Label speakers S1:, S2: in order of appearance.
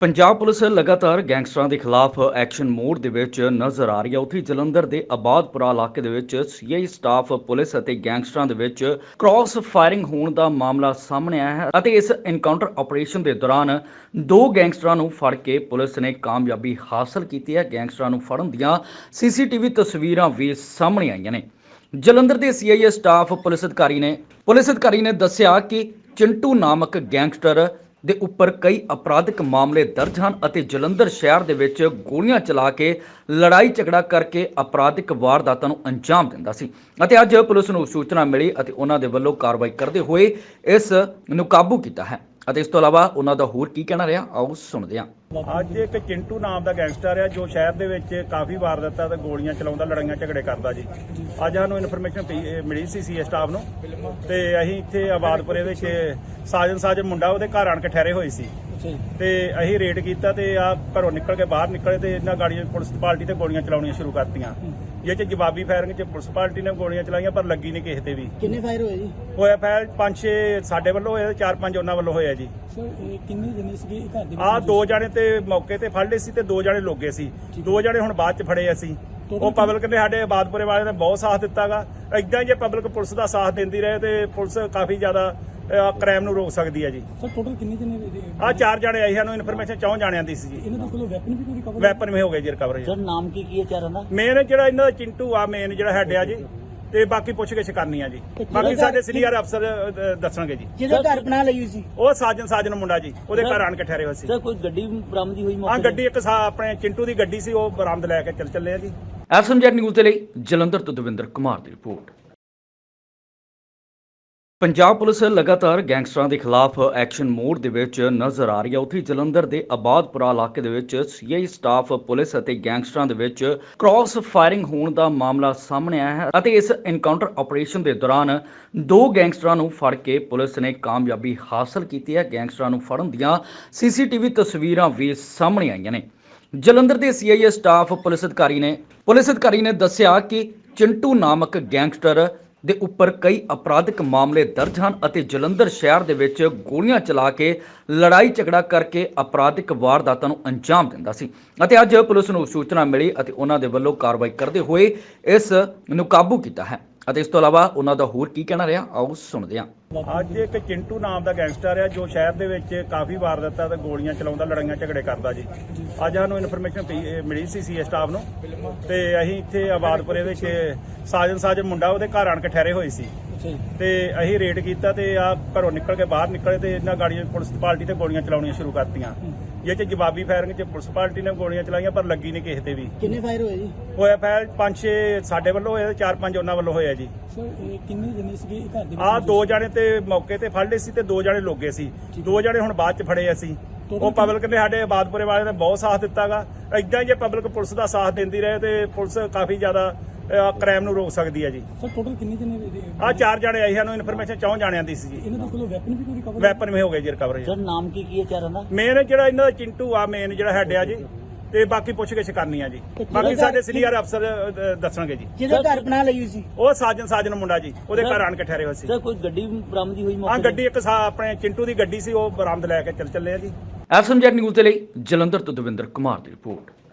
S1: Punjab police ਲਗਾਤਾਰ ਗੈਂਗਸਟਰਾਂ ਦੇ ਖਿਲਾਫ ਐਕਸ਼ਨ ਮੋਡ ਦੇ ਵਿੱਚ ਨਜ਼ਰ ਆ ਰਹੀ ਹੈ। ਉੱਥੇ ਜਲੰਧਰ ਦੇ ਆਬਾਦਪੁਰਾ ਇਲਾਕੇ ਦੇ ਵਿੱਚ ਸੀਆਈ ਸਟਾਫ ਪੁਲਿਸ ਅਤੇ ਗੈਂਗਸਟਰਾਂ ਦੇ ਵਿੱਚ ਕ੍ਰਾਸ ਫਾਇਰਿੰਗ ਹੋਣ ਦਾ ਮਾਮਲਾ ਸਾਹਮਣੇ ਆਇਆ ਹੈ ਅਤੇ ਇਸ ਐਨਕਾਊਂਟਰ ਆਪਰੇਸ਼ਨ ਦੇ ਦੌਰਾਨ ਦੋ ਗੈਂਗਸਟਰਾਂ ਨੂੰ ਫੜ ਕੇ ਪੁਲਿਸ ਨੇ ਕਾਮਯਾਬੀ ਹਾਸਲ ਕੀਤੀ ਹੈ। ਗੈਂਗਸਟਰਾਂ ਨੂੰ ਫੜਨ ਦੀਆਂ ਸੀਸੀਟੀਵੀ ਤਸਵੀਰਾਂ ਵੀ ਸਾਹਮਣੇ ਆਈਆਂ ਨੇ। ਜਲੰਧਰ ਦੇ ਸੀਆਈ ਸਟਾਫ ਪੁਲਿਸ ਅਧਿਕਾਰੀ ਨੇ ਦੱਸਿਆ ਕਿ ਚਿੰਟੂ ਨਾਮਕ ਗੈਂਗਸਟਰ ਦੇ ਉੱਪਰ ਕਈ ਅਪਰਾਧਿਕ ਮਾਮਲੇ ਦਰਜ ਹਨ ਅਤੇ ਜਲੰਧਰ ਸ਼ਹਿਰ ਦੇ ਵਿੱਚ ਗੋਲੀਆਂ ਚਲਾ ਕੇ ਲੜਾਈ ਝਗੜਾ ਕਰਕੇ ਅਪਰਾਧਿਕ ਵਾਰਦਾਤਾਂ ਨੂੰ ਅੰਜਾਮ ਦਿੰਦਾ ਸੀ ਅਤੇ ਅੱਜ ਪੁਲਿਸ ਨੂੰ ਸੂਚਨਾ ਮਿਲੀ ਅਤੇ ਉਹਨਾਂ ਦੇ ਵੱਲੋਂ ਕਾਰਵਾਈ ਕਰਦੇ ਹੋਏ ਇਸ ਨੂੰ ਕਾਬੂ ਕੀਤਾ ਹੈ ਅਤੇ ਇਸ ਤੋਂ ਇਲਾਵਾ ਉਹਨਾਂ ਦਾ ਹੋਰ ਕੀ ਕਹਿਣਾ ਰਿਹਾ, ਆਓ ਸੁਣਦੇ ਹਾਂ।
S2: ਅੱਜ ਇੱਕ ਚਿੰਟੂ ਨਾਮ ਦਾ ਗੈਂਗਸਟਰ ਆ ਜੋ ਸ਼ਹਿਰ ਦੇ ਵਿੱਚ ਕਾਫੀ ਵਾਰਦਾਤਾਂ ਤੇ ਗੋਲੀਆਂ ਚਲਾਉਂਦਾ, ਲੜਾਈਆਂ ਝਗੜੇ ਕਰਦਾ ਜੀ। ਅੱਜ ਸਾਨੂੰ ਇਨਫੋਰਮੇਸ਼ਨ ਮਿਲੀ ਸੀ ਸੀਏ ਸਟਾਫ ਨੂੰ ਤੇ ਅਸੀਂ ਇੱਥੇ ਆਬਾਦਪੁਰੇ ਵਿੱਚ ਸਾਜਨ ਮੁੰਡਾ ਉਹਦੇ ਘਰ ਆਣ ਕੇ ਠਹਿਰੇ ਹੋਏ ਸੀ ਤੇ ਅਸੀਂ ਰੇਡ ਕੀਤਾ ਤੇ ਆ ਘਰੋਂ ਨਿਕਲ ਕੇ ਬਾਹਰ ਨਿਕਲੇ ਤੇ ਇਹਨਾਂ ਗਾੜੀਆਂ ਪੁਲਿਸ ਪਾਰਟੀ ਤੇ ਗੋਲੀਆਂ ਚਲਾਉਣੀਆਂ ਸ਼ੁਰੂ ਕਰਤੀਆਂ। ਇਹ ਚ ਜਵਾਬੀ ਫਾਇਰਿੰਗ ਚ ਪੁਲਿਸ ਪਾਰਟੀ ਨੇ ਗੋਲੀਆਂ ਚਲਾਈਆਂ ਪਰ ਲੱਗੀ ਨਹੀਂ ਕਿਸੇ ਤੇ ਵੀ।
S3: ਕਿੰਨੇ ਫਾਇਰ ਹੋਏ ਜੀ?
S2: ਹੋਇਆ ਫਾਇਰ 5-6 ਸਾਡੇ ਵੱਲੋਂ ਹੋਇਆ, 4-5 ਉਹਨਾਂ ਵੱਲੋਂ ਹੋਇਆ ਜੀ।
S3: ਸਰ ਕਿੰਨੇ ਜਣੇ ਸੀਗੇ ਘਰ ਦੇ?
S2: ਆ 2 ਜਣੇ ਤੇ ਮੌਕੇ ਤੇ ਫੜ ਲਏ ਸੀ ਤੇ 2 ਜਣੇ ਲੋਗੇ ਸੀ। 2 ਜਣੇ ਹੁਣ ਬਾਅਦ ਚ ਫੜੇ ਅਸੀਂ। ਉਹ ਪਬਲਿਕ ਨੇ ਸਾਡੇ ਆਬਾਦਪੁਰੇ ਵਾਲਿਆਂ ਨੇ ਬਹੁਤ ਸਾਥ ਦਿੱਤਾਗਾ। ਇਦਾਂ ਹੀ ਜੇ ਪਬਲਿਕ ਪੁਲਿਸ ਦਾ ਸਾਥ ਦਿੰਦੀ ਰਹੇ ਤੇ ਪੁਲਿਸ ਕਾਫੀ ਜ਼ਿਆਦਾ ਕ੍ਰਾਈਮ ਨੂੰ ਰੋਕ ਸਕਦੀ ਹੈ ਜੀ।
S3: ਸਰ ਟੋਟਲ ਕਿੰਨੇ ਜਣੇ?
S2: ਆ 4 ਜਣੇ ਆਈ, ਸਾਨੂੰ ਇਨਫੋਰਮੇਸ਼ਨ 4 ਜਣਿਆਂ ਦੀ ਸੀ ਜੀ।
S3: ਇਹਨਾਂ ਦੇ ਕੋਲੋਂ ਵੈਪਨ ਵੀ ਕੋਈ ਰਿਕਵਰ?
S2: ਵੈਪਨ ਵੀ ਹੋ ਗਏ ਜੀ ਰਿਕਵਰ ਜੀ।
S3: ਸਰ ਨਾਮ ਕੀ ਹੈ ਚਾਰਾਂ ਦਾ?
S2: ਮੇਨ ਜਿਹੜਾ ਇਹਨਾਂ ਦਾ ਚਿੰਟੂ ਆ, ਮੇਨ ਜਿਹੜਾ ਹੈਡ ਆ ਜੀ, ਤੇ ਬਾਕੀ ਪੁੱਛ-ਗਿੱਛ ਕਰਨੀ ਆ ਜੀ। ਬਾਕੀ ਸਾਡੇ ਸੀਨੀਅਰ ਅਫਸਰ ਦੱਸਣਗੇ ਜੀ।
S3: ਜਿਹਦਾ ਘਰ ਬਣਾ ਲਈ ਹੋਈ ਸੀ
S2: ਉਹ ਸਾਜਨ ਮੁੰਡਾ ਜੀ, ਉਹਦੇ ਘਰ ਆਣ ਕੇ ਠਹਿਰੇ ਹੋਏ ਸੀ।
S3: ਸਰ ਕੋਈ ਗੱਡੀ ਬਰਾਮਦੀ ਹੋਈ?
S2: ਹਾਂ, ਗੱਡੀ ਇੱਕ ਆਪਣੇ ਚਿੰਟੂ ਦੀ ਗੱਡੀ ਸੀ, ਉਹ ਬਰਾਮਦ ਲੈ ਕੇ ਚੱਲੇ ਆ ਜੀ।
S1: ਐਸਐਮਜੈਡ ਨਿਊਜ਼ ਦੇ ਲਈ ਜਲੰਧਰ ਤੋਂ ਦਵਿੰਦਰ ਕੁਮਾਰ ਦੀ ਰਿਪੋਰਟ। ਪੰਜਾਬ ਪੁਲਿਸ ਲਗਾਤਾਰ ਗੈਂਗਸਟਰਾਂ ਦੇ ਖਿਲਾਫ ਐਕਸ਼ਨ ਮੋਡ ਦੇ ਵਿੱਚ ਨਜ਼ਰ ਆ ਰਹੀ ਹੈ। ਉੱਥੇ ਜਲੰਧਰ ਦੇ ਆਬਾਦਪੁਰਾ ਇਲਾਕੇ ਦੇ ਵਿੱਚ ਸੀਆਈ ਸਟਾਫ ਪੁਲਿਸ ਅਤੇ ਗੈਂਗਸਟਰਾਂ ਦੇ ਵਿੱਚ ਕ੍ਰਾਸ ਫਾਇਰਿੰਗ ਹੋਣ ਦਾ ਮਾਮਲਾ ਸਾਹਮਣੇ ਆਇਆ ਹੈ ਅਤੇ ਇਸ ਐਨਕਾਊਂਟਰ ਆਪਰੇਸ਼ਨ ਦੇ ਦੌਰਾਨ ਦੋ ਗੈਂਗਸਟਰਾਂ ਨੂੰ ਫੜ ਕੇ ਪੁਲਿਸ ਨੇ ਕਾਮਯਾਬੀ ਹਾਸਲ ਕੀਤੀ ਹੈ। ਗੈਂਗਸਟਰਾਂ ਨੂੰ ਫੜਨ ਦੀਆਂ ਸੀਸੀਟੀਵੀ ਤਸਵੀਰਾਂ ਵੀ ਸਾਹਮਣੇ ਆਈਆਂ ਨੇ। ਜਲੰਧਰ ਦੇ ਸੀਆਈ ਸਟਾਫ ਪੁਲਿਸ ਅਧਿਕਾਰੀ ਨੇ ਦੱਸਿਆ ਕਿ ਚਿੰਟੂ ਨਾਮਕ ਗੈਂਗਸਟਰ ਦੇ ਉੱਪਰ ਕਈ ਅਪਰਾਧਿਕ ਮਾਮਲੇ ਦਰਜ ਹਨ ਅਤੇ ਜਲੰਧਰ ਸ਼ਹਿਰ ਦੇ ਵਿੱਚ ਗੋਲੀਆਂ ਚਲਾ ਕੇ ਲੜਾਈ ਝਗੜਾ ਕਰਕੇ ਅਪਰਾਧਿਕ ਵਾਰਦਾਤਾਂ ਨੂੰ ਅੰਜਾਮ ਦਿੰਦਾ ਸੀ ਅਤੇ ਅੱਜ ਪੁਲਿਸ ਨੂੰ ਸੂਚਨਾ ਮਿਲੀ ਅਤੇ ਉਹਨਾਂ ਦੇ ਵੱਲੋਂ ਕਾਰਵਾਈ ਕਰਦੇ ਹੋਏ ਇਸ ਨੂੰ ਕਾਬੂ ਕੀਤਾ ਹੈ ਅਤੇ ਇਸ ਤੋਂ ਇਲਾਵਾ ਉਹਨਾਂ ਦਾ ਹੋਰ ਕੀ ਕਹਿਣਾ ਰਿਹਾ, ਆਓ ਸੁਣਦੇ ਹਾਂ।
S2: ਅੱਜ ਇੱਕ ਚਿੰਟੂ ਨਾਮ ਦਾ ਗੈਂਗਸਟਰ ਆ ਜੋ ਸ਼ਹਿਰ ਦੇ ਵਿੱਚ ਕਾਫੀ ਵਾਰਦਾਤਾਂ ਤੇ ਗੋਲੀਆਂ ਚਲਾਉਂਦਾ, ਲੜਾਈਆਂ ਝਗੜੇ ਕਰਦਾ ਜੀ। ਅੱਜ ਸਾਨੂੰ ਇਨਫੋਰਮੇਸ਼ਨ ਮਿਲੀ ਸੀ ਸੀਏ ਸਟਾਫ ਨੂੰ ਤੇ ਅਸੀਂ ਇੱਥੇ ਆਬਾਦਪੁਰੇ ਵਿੱਚ ਸਾਜਨ ਮੁੰਡਾ ਉਹਦੇ ਘਰ ਆਣ ਕੇ ਠਹਿਰੇ ਹੋਏ ਸੀ ਤੇ ਅਸੀਂ ਰੇਡ ਕੀਤਾ ਤੇ ਆ ਘਰੋਂ ਨਿਕਲ ਕੇ ਬਾਹਰ ਨਿਕਲੇ ਤੇ ਇਹਨਾਂ ਗਾੜੀਆਂ ਪੁਲਿਸ ਪਾਰਟੀ ਤੇ ਗੋਲੀਆਂ ਚਲਾਉਣੀਆਂ ਸ਼ੁਰੂ ਕਰਤੀਆਂ। ਇਹ ਚ ਜਵਾਬੀ ਫਾਇਰਿੰਗ ਚ ਪੁਲਿਸ ਪਾਰਟੀ ਨੇ ਗੋਲੀਆਂ ਚਲਾਈਆਂ ਪਰ ਲੱਗੀ ਨਹੀਂ ਕਿਸੇ ਤੇ ਵੀ।
S3: ਕਿੰਨੇ ਫਾਇਰ ਹੋਏ ਜੀ?
S2: ਹੋਇਆ ਫਾਇਰ 5-6 ਸਾਡੇ ਵੱਲੋਂ ਹੋਇਆ, 4-5 ਉਹਨਾਂ ਵੱਲੋਂ ਹੋਇਆ ਜੀ।
S3: ਸਰ ਕਿੰਨੇ ਜਣੇ ਸੀਗੇ ਘਰ ਦੇ?
S2: ਆ 2 ਜਣੇ ਤੇ ਮੌਕੇ ਤੇ ਫੜ ਲਏ ਸੀ ਤੇ 2 ਜਣੇ ਲੋਗੇ ਸੀ। 2 ਜਣੇ ਹੁਣ ਬਾਅਦ ਚ ਫੜੇ ਅਸੀਂ। ਉਹ ਪਬਲਿਕ ਨੇ ਸਾਡੇ ਆਬਾਦਪੁਰੇ ਵਾਲਿਆਂ ਨੇ ਬਹੁਤ ਸਾਥ ਦਿੱਤਾਗਾ। ਇਦਾਂ ਹੀ ਜੇ ਪਬਲਿਕ ਪੁਲਿਸ ਦਾ ਸਾਥ ਦਿੰਦੀ ਰਹੇ ਤੇ ਪੁਲਿਸ ਕਾਫੀ ਜ਼ਿਆਦਾ ਕ੍ਰਾਈਮ ਨੂੰ ਰੋਕ ਸਕਦੀ ਹੈ ਜੀ।
S3: ਸਰ ਟੋਟਲ ਕਿੰਨੇ ਜਣੇ?
S2: ਆ 4 ਜਣੇ ਆਈ, ਸਾਨੂੰ ਇਨਫੋਰਮੇਸ਼ਨ 4 ਜਣਿਆਂ ਦੀ ਸੀ ਜੀ।
S3: ਇਹਨਾਂ ਦੇ ਕੋਲੋਂ ਵੈਪਨ ਵੀ ਕੋਈ ਰਿਕਵਰ?
S2: ਵੈਪਨ ਵੀ ਹੋ ਗਏ ਜੀ ਰਿਕਵਰ ਜੀ।
S3: ਸਰ ਨਾਮ ਕੀ ਹੈ ਚਾਰਾਂ ਦਾ?
S2: ਮੇਨ ਜਿਹੜਾ ਇਹਨਾਂ ਦਾ ਚਿੰਟੂ ਆ, ਮੇਨ ਜਿਹੜਾ ਹੈਡ ਆ ਜੀ, ਤੇ ਬਾਕੀ ਪੁੱਛ-ਗਿੱਛ ਕਰਨੀ ਆ ਜੀ। ਬਾਕੀ ਸਾਡੇ ਸੀਨੀਅਰ ਅਫਸਰ ਦੱਸਣਗੇ ਜੀ।
S3: ਜਿਹਦਾ ਘਰ ਬਣਾ ਲਈ ਹੋਈ ਸੀ?
S2: ਉਹ ਸਾਜਨ ਮੁੰਡਾ ਜੀ, ਉਹਦੇ ਘਰ ਆਣ ਕੇ ਠਹਿਰੇ ਹੋਏ ਸੀ।
S3: ਸਰ ਕੋਈ ਗੱਡੀ ਬਰਾਮਦੀ ਹੋਈ?
S2: ਹਾਂ, ਗੱਡੀ ਇੱਕ ਆਪਣੇ ਚਿੰਟੂ ਦੀ ਗੱਡੀ ਸੀ, ਉਹ ਬਰਾਮਦ ਲੈ ਕੇ ਚੱਲੇ ਆ ਜੀ।
S1: ਐਸਐਮਜੈਡ ਨਿਊਜ਼ ਦੇ ਲਈ ਜਲੰਧਰ ਤੋਂ ਦਵਿੰਦਰ ਕੁਮਾਰ ਦੀ ਰਿਪੋਰਟ।